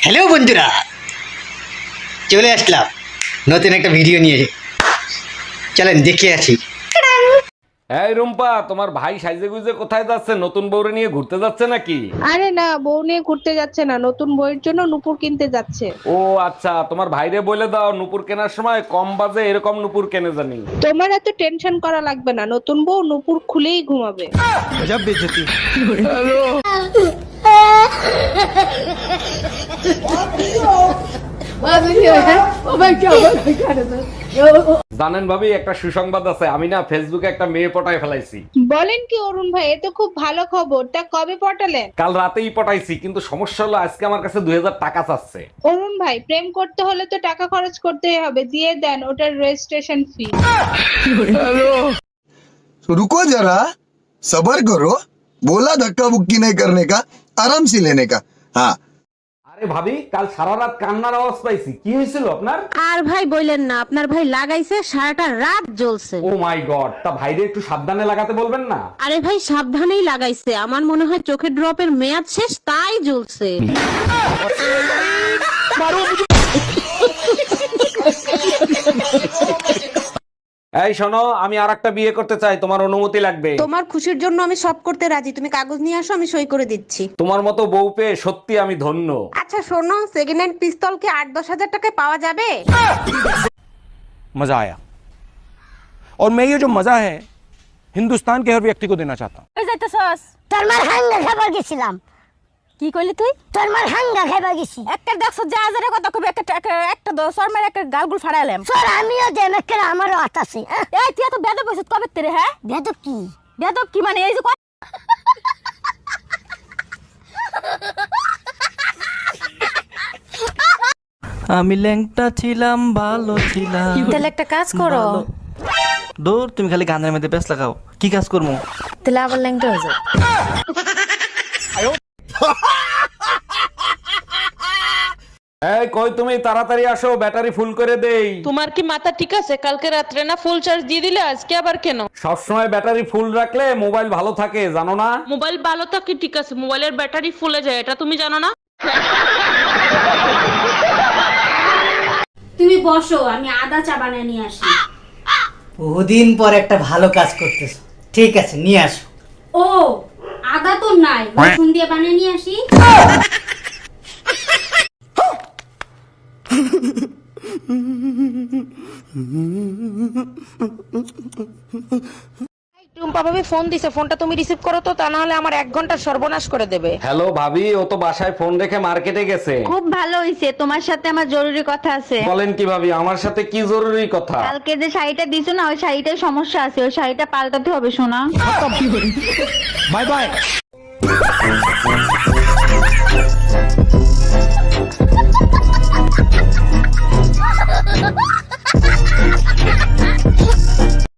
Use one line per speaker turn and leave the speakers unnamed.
Hello বন্ধুরা, চলে আসলাম নতুন একটা ভিডিও নিয়ে। চলেন দেখে আসি।
এই রুম্পা, তোমার ভাই সাইজে গুজে কোথায় যাচ্ছে? নতুন বউরে নিয়ে ঘুরতে যাচ্ছে নাকি?
আরে না, বউ নিয়ে ঘুরতে যাচ্ছে না, নতুন বইয়ের জন্য নুপুর কিনতে যাচ্ছে।
ও আচ্ছা, তোমার ভাইরে বলে দাও নুপুর কেনার সময় কম বাজে এরকম নুপুর কেনে জানি।
তোমার এত টেনশন করা লাগবে না, নতুন বউ নুপুর খুলেই ঘুমাবে।
জানেন ভাবি, একটা সুসংবাদ আছে। আমি না ফেসবুকে একটা মেয়ে পটায় ফেলাইছি।
বলেন কি অরুণ ভাই, এ তো খুব ভালো খবর। তা কবে পটালেন?
কাল রাতেই পটাইছি, কিন্তু সমস্যা হলো আজকে আমার কাছে 2000 টাকা চাচ্ছে।
অরুণ ভাই, প্রেম করতে হলে তো টাকা খরচ করতেই হবে, দিয়ে দেন ওটার রেজিস্ট্রেশন ফি।
तो रुको जरा, सबर करो। बोला धक्का बुक्की नहीं करने का, आराम से लेने का। हाँ,
আরে ভাবি, কাল সারা রাত কান্নার আওয়াজ পাইছি। কি হয়েছিল আপনার?
আর ভাই বললেন না, আপনার ভাই লাগাইছে সারাটা রাত জ্বলছে।
ও মাই গড, তা ভাইরে একটু সাবধানে লাগাতে বলবেন না?
আরে ভাই সাবধানেই লাগাইছে, আমার মনে হয় চোখের ড্রপের মেয়াদ শেষ তাই জ্বলছে।
এই শোনো, আমি আরেকটা বিয়ে করতে চাই, তোমার অনুমতি লাগবে।
তোমার খুশির জন্য আমি সব করতে রাজি, তুমি কাগজ নিয়ে আসো, আমি সই করে দিচ্ছি।
তোমার মতো বউ পেয়ে সত্যি আমি ধন্য।
আচ্ছা শোনো, সেকেন্ড হ্যান্ড পিস্তল কি 8-10 হাজার টাকায় পাওয়া যাবে?
मजा आया और मैं ये जो मजा है हिंदुस्तान के हर व्यक्ति को देना चाहता हूँ।
তোর মার হাঙ্গা খাবার গেছিলাম।
কি কইলি তুই?
তোর মার হাঙ্গা খাবার গেছি।
একটা দেখছ যা হাজারে কথা কবি, একটা দশর মারে একটা গালগুল ফাড়াইলাম।
তোর আমিও দেন একটা আমারও হাত আছে।
এই তুই তো বেদব হইছিস কবে তেরে? হ্যাঁ
বেদ কি?
বেদব কি মানে? এই যে
আমি ল্যাংটা ছিলাম, ভালো ছিলাম।
তাহলে একটা কাজ করো,
দূর, তুমি খালি গানের মধ্যে ব্যস্ত লাগাও। কি কাজ করবো?
তাহলে আবার ল্যাংটা হয়ে যাও।
এই কই তুমি, তাড়াতাড়ি আসো, ব্যাটারি ফুল করে দেই।
তোমার কি মাথা ঠিক আছে? কালকে রাত্রে না ফুল চার্জ দিয়ে দিলে, আজকে আবার কেন?
সবসময় ব্যাটারি ফুল রাখলে মোবাইল ভালো থাকে, জানো না?
মোবাইল ভালো থাকে ঠিক আছে, মোবাইলের ব্যাটারি ফুলে যায়, এটা তুমি জানো না?
তুমি বসো, আমি আদা চা বানিয়ে নিয়ে আসি।
বহুদিন পর একটা ভালো কাজ করতেছো, ঠিক আছে নিয়ে আসো।
ও, আদা তো নাই, রসুন দিয়ে বানিয়ে নিয়ে আসি।
টুম্পা ভাবি ফোন দিছে, ফোনটা তুমি রিসিভ করো তো, তা না হলে আমার 1 ঘন্টা সর্বনাশ করে দেবে।
হ্যালো ভাবি, ও তো বাসায় ফোন রেখে মার্কেটে গেছে।
খুব ভালো হইছে, তোমার সাথে আমার জরুরি কথা আছে।
বলেন কি ভাবি, আমার সাথে কি জরুরি কথা?
কালকে যে শাড়িটা দিছো না, ওই শাড়িটায় সমস্যা আছে, ওই শাড়িটা পাল্টাতে হবে সোনা।
Bye bye.